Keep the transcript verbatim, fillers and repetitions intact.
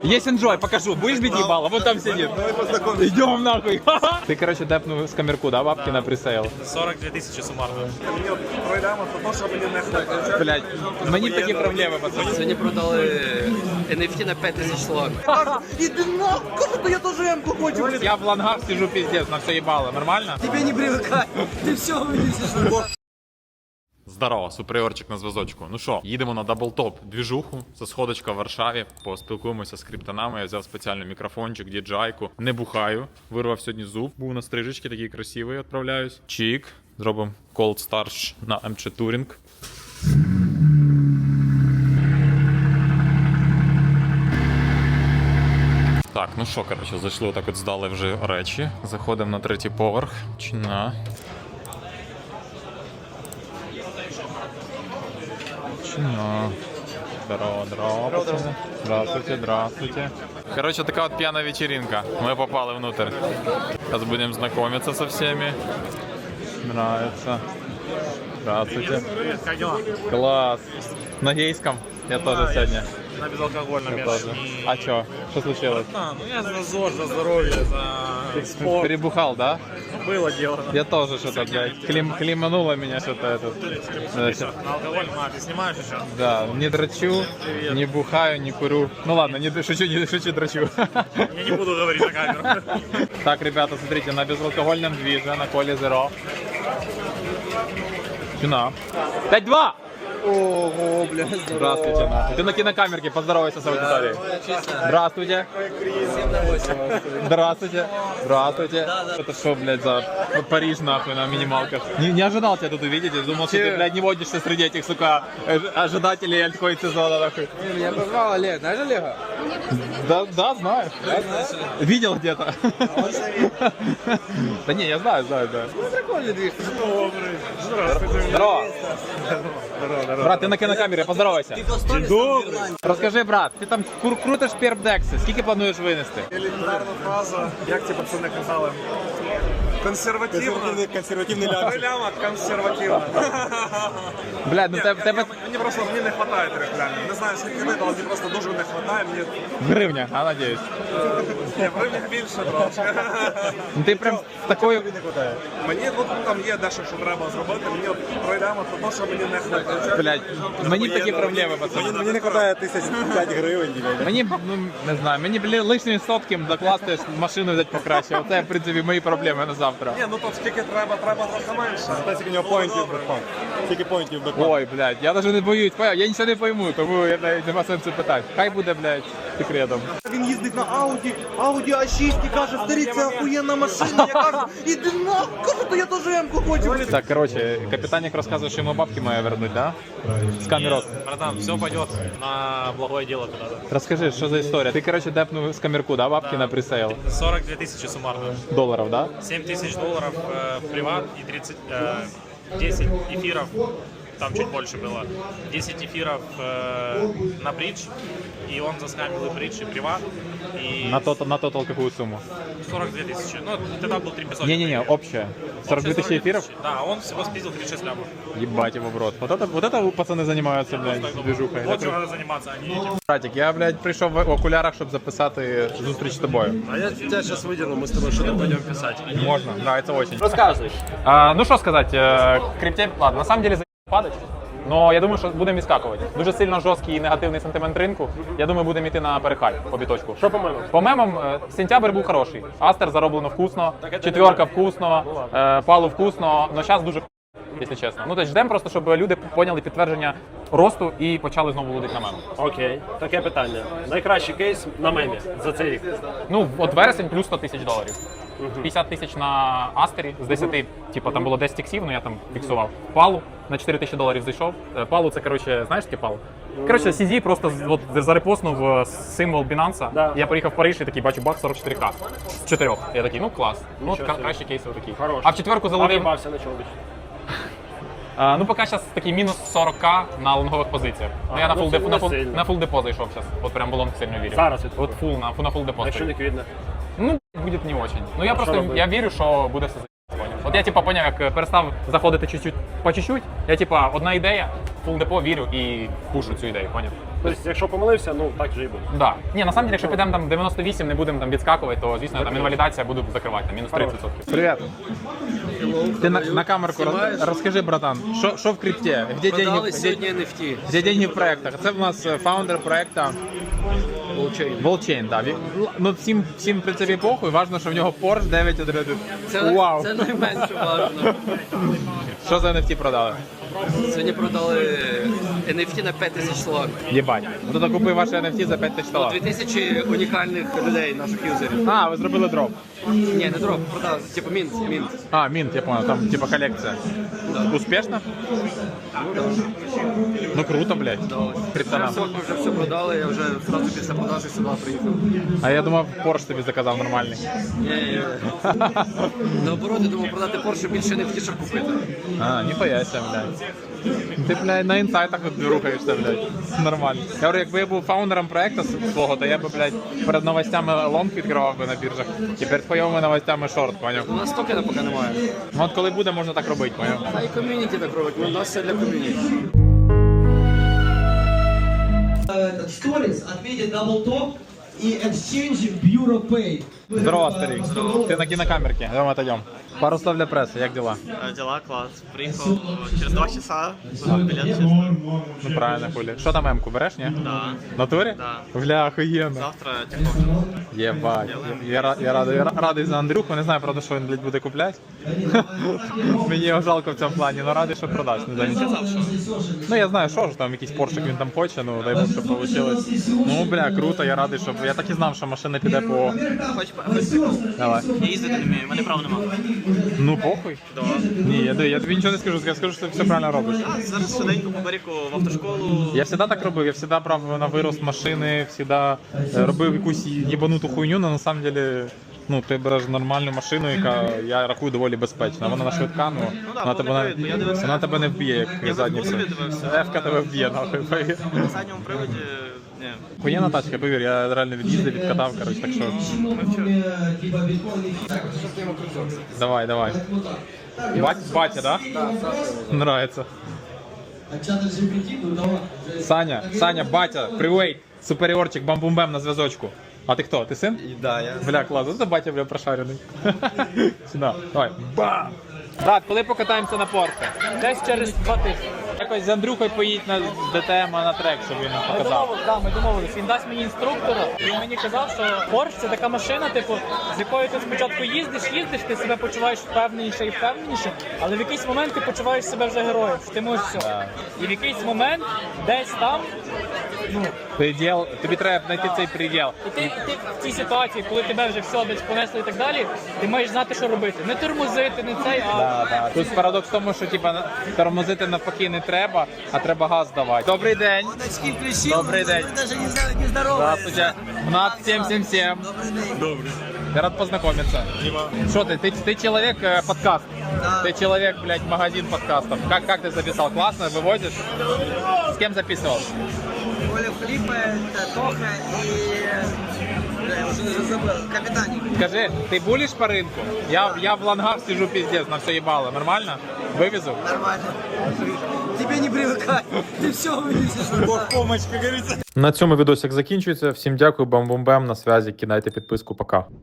Есть enjoy, покажу. Будешь бить ебало? Вот там сидит. Идем нахуй. Ты, короче, депнул с камерку, да, бабки на пресейл? сорок две тысячи суммарно. Блять, мені такі проблеми, пацани. Сьогодні продали ен еф ті на п'ять тисяч доларів. Іди нахуй, то я тоже М-ку хочу. Я в лангах сижу пиздец, на все ебало. Нормально? Тебе не привыкай, ты все вынесешь. Здорово, суприорчик на зв'язочку. Ну що, їдемо на даблтоп двіжуху. Це сходочка в Варшаві. Поспілкуємося з криптонами. Я взяв спеціальний мікрофончик, діджайку. Не бухаю. Вирвав сьогодні зуб. Був на стрижечки, такий красивий, відправляюсь. Чик. Зробимо Cold Starch на ем джі Touring. Так, ну що, коротше, зайшли отак от, здали вже речі. Заходимо на третій поверх. Чина. Чина. Здорово, здорово, пацаны. Здравствуйте, здравствуйте. Короче, такая вот пьяная вечеринка. Мы попали внутрь. Сейчас будем знакомиться со всеми. Нравится. Здравствуйте. Привет, как дела? Класс. На гейском? Я тоже сегодня. На безалкогольном Я я тоже. не- А чё? Что случилось? А, ну я за ЗОЖ, за здоровье, за спорт. Перебухал, да? Ну, было дело. Я тоже что-то, блядь, клим, климануло меня что-то это. Ты что, на алкоголь, а, ты снимаешь еще? Да, не дрочу, не бухаю, не курю. Ну ладно, не д- шучу, не шучу, дрочу. Я не буду говорить на камеру. Так, ребята, смотрите, на безалкогольном движе, на Коле Зеро. Чина. пять-два! Ого, блядь, Здравствуйте, нахуй. Ты на кинокамерке, поздоровайся с аудиторией. Здравствуйте. Здравствуйте. Здравствуйте. Это что, блядь, за Париж, нахуй, на минималках? Не, не ожидал тебя тут увидеть, я думал, что ты, блядь, не водишься среди этих, сука, э, ожидателей альткоин сезона, нахуй. Меня позвал Олег, знаешь Олега? Да, да, знаю. Видел где-то. Да не, я знаю, знаю, да. Прикольный движ. Здорово. Брат, ти на кинокамері, поздоровайся. Добрый. Розкажи, брат, ти там кру- крутиш перпдекси, скільки плануєш винести? Елементарна фраза, як ці пацани казали. Консервативно. Консервативный Три ляма консервативно. Блядь, ну Ні, тебе, я- тебе Мені просто мені не вистачає трьох лямів. Не знаю, скільки видно, але мені просто дуже не вистачає. Мені гривня, а надіюсь. ні, в гривнях більше трошки. Ну ти прям такою. Мені от, там є дещо, що треба зробити. Мені от три ляма, тому що мені не вистачає. Блядь, мені такі проблеми, пацани. Мені не хватає тисяч п'ять гривень. Мені, ну, не знаю, мені, блін, лишні сотки докласти, машину взяти покраще. Оце, в принципі, мої проблеми на завтра. Ні, ну то скільки треба, треба трохи менше. Скільки у нього поінтів бекпак. Скільки поінтів бекпак. Ой, блядь, я навіть не боюсь, поняв? Я нічого не пойму, тому я навіть нема сенсу питати. Хай буде, блядь, секретом. Він їздить на Ауді, Ауді а шість і каже, старі, це охуєнна машина. Я кажу, іди нахуй, кажу, то я теж М-ку хочу. Так, короче, капитаник рассказывает, что ему бабки мои вернуть, да? С камерот. Братан, все пойдет на благое дело куда-то. Расскажи, что за история? Ты, короче, депнул с камерку, да, бабки на пресейл? сорок две тысячи суммарно. Долларов, да? семь тысяч долларов э, в приват и тридцать, э, десять эфиров, там чуть больше было, десять эфиров э, на бридж, и он заскамил и бридж, и приват, и На тот, на тотал какую сумму? сорок две тысячи, ну тогда был три пятьсот. Не-не-не, общая. сорок две тысячи эфиров? Да, он всего спиздил тридцать шесть лямов. Ебать его в рот. Вот это, вот это пацаны занимаются, блядь, движухой. Вот Это чем кру- надо заниматься, а не этим. Братик, я, блядь, прийшов в окулярах, щоб записати зустріч з тобою. А я тебя сейчас выдерну, мы с тобой что-то пойдем писать. Можно, нравится очень. Рассказывай. А, ну що сказати, е, крипте, ладно, на самом деле за падать. Но я думаю, що будемо відскакувати. Дуже сильно жорсткий і негативний сентимент ринку. Я думаю, будемо йти на перехай по біточку. Что по мемам? По мемам, е, сентябрь був хороший. Астер зароблено вкусно, четверка вкусно, е, палу вкусно, але зараз дуже якщо чесно. Ну, тобто ждемо просто, щоб люди поняли підтвердження росту і почали знову лудити на меми. Окей, таке питання. Найкращий кейс на мемі за цей рік. Ну, от вересень плюс сто тисяч доларів. п'ятдесят тисяч на Астері з десяти, типу там було десять іксів, ну я там фіксував. Палу на чотири тисячі доларів зайшов. Е, Палу це, коротше, знаєш таке палу? Коротше, сі ді просто з- от, зарепостнув е, символ Binance. Да. Я приїхав в Париж і такий бачу бак сорок чотири ка з чотирьох. Я такий, ну клас. Ну, от Нічого ка- кращі кейси отакі. Хорош. А в четверку заловив. В'їбався на чоловіч. А, ну, поки зараз такий мінус сорок ка на лонгових позиціях. Ну, я на ну, фул, це деп, не на, фул, сильно. на фул депо зайшов зараз. От прям в лонг сильно вірю. Зараз від От фул, на, на фул депо. Якщо стою. ліквідне. Ну, буде не очень. Ну, я А що просто, робити? я вірю, що буде все за***, поняв. От я типа поняв, як перестав заходити чуть-чуть по чуть-чуть. Я типа одна ідея, фул депо вірю і пушу цю ідею, поняв? Тобто, якщо помилився, ну так же і буде. Да. Ні, на самом деле, якщо підемо там дев'яносто вісім, не будемо там відскакувати, то звісно там інвалідація буду закривати, там, мінус тридцять відсотків. Привет. Ти на, на камерку роз, розкажи, братан, що, що в крипті? Де деньги, Продали де, сьогодні ен еф ті. де деньги в проектах? Це в нас е, фаундер проекту Blockchain. Волчейн, да. Він- Ну, всім, всім в принципі похуй, важно, що в нього Porsche дев'ять одинадцять. Це, Вау. це найменше важливо. Що за ен еф ті продали? Сьогодні продали ен еф ті на п'ять тисяч доларів. Єбать. Ну, то купив ваше ен еф ті за п'ять тисяч Дві доларів. тисячі унікальних людей, наших юзерів. А, ви зробили дроп. Ні, не дроп, продали. Типу мінт, мінт. А, мінт, я понял, там типа колекція. Успішно? Ну круто, блядь. Вже Криптонам. все, ми вже все продали, я вже одразу після продажі сюди приїхав. А я думав, Porsche тобі заказав нормальний. Ні-ні-ні. Наоборот, я думав продати Porsche більше ен еф ті, щоб купити. А, ніхуя ся, блядь. Ти, блядь, на інсайтах от рухаєшся, блядь. Нормально. Я говорю, якби я був фаундером проекту свого, то я би, блядь, перед новостями лонг відкривав би на біржах. І перед хуйовими новостями шорт, поняв? У нас токена поки немає. Ну от коли буде, можна так робити, поняв? А і ком'юніті так робить, у нас все для ком'юніті. Этот сторис отметит даблтоп и exchange в Bureau Pay. Здорово, старик. Ти на кінокамерці, давай отойдем. Пару слов для преси, як дела? Э, Дела класс. Приехал через два часа. Билет чисто. Ну правильно, хулі. Що там М-ку береш, ні? Да. В натурі? Да. Бля, охуєнно. Завтра тихо. Єбать. Я, я, ра- я, радий, я ра- радий за Андрюху, не знаю, правда, що він, блядь, буде купляти. Мені його жалко в цьому плані, але радий, що продасть. Не знаю, нічого. Ну я знаю, що ж там, якийсь поршик він там хоче, ну дай Бог, щоб вийшло. Ну, бля, круто, я радий, щоб... Я так і знав, що машина піде по... Хоч хоч Давай. я їздити не вмію, в мене права нема. Ну, похуй. Да. Ні, я, я тобі нічого не скажу, я скажу, що ти все правильно робиш. А зараз швиденько по берегу в автошколу. Я завжди так робив, я завжди брав на вирост машини, завжди е, робив якусь їбануту хуйню, але на самом деле, ну, ти береш нормальну машину, яка, я рахую, доволі безпечна. Вона на швидка, ну, да, вона, тебе, повний не, привід, бо я дивився. вона тебе не вб'є, як Я задницю. в Ютубі дивився. Ефка тебе вб'є, нахуй. повір. На задньому приводі. Ні. Хуєна тачка, повір, я реально від'їздив, відкатав, коротше, так що... Типа биткоин. Давай, давай. Бать, батя, да? Нравится. А чат джи пі ті, ну давай. Саня, Саня, батя, привейт, суперіорчик, бам-бум-бем на зв'язочку. А ти хто? Ти син? Да, я. Бля, клас, це батя, бля, прошарений. Сюда, давай. Бам! Брат, коли покатаємося на порте? Десь через два тижні. Якось з Андрюхою поїдь на ДТМ на трек, щоб він нам Ми показав. домовились, да, ми домовились. Він дасть мені інструктора. Він мені казав, що Porsche це така машина, типу, з якою ти спочатку їздиш, їздиш, ти себе почуваєш впевненіше і впевненіше, але в якийсь момент ти почуваєш себе вже героєм, що ти можеш все. І в якийсь момент десь там, ну, Приділ, тобі треба знайти цей приділ. і ти, і ти в цій ситуації, коли тебе вже все десь понесли і так далі, ти маєш знати, що робити. Не тормозити, не цей, а Да, да. Тут парадокс в тому, що типа тормозити навпаки не треба, а треба газ давати. Добрий день. Добрий день. Даже не знаю, не здорово. Здравствуйте. Над сім сім сім. Добрый. Я рад познакомиться. Что ты, ты, ты человек э, подкаст? Ты человек, блядь, магазин подкастов. Как, как ты записал? Классно, вывозишь? С кем записывал? Оля Флипа, Тоха и... Я уже даже забыл. Капитаник. Скажи, ты булишь по рынку? Я, я в лонгах сижу пиздец, на все ебало. Нормально? Вывезу? Нормально. Тебе не привыкать. Ты все вывезешь. Бог помощь, как говорится. На цьому відосик закінчується. Всім дякую, бам-бум-бам, на зв'язі. Кидайте підписку, пока.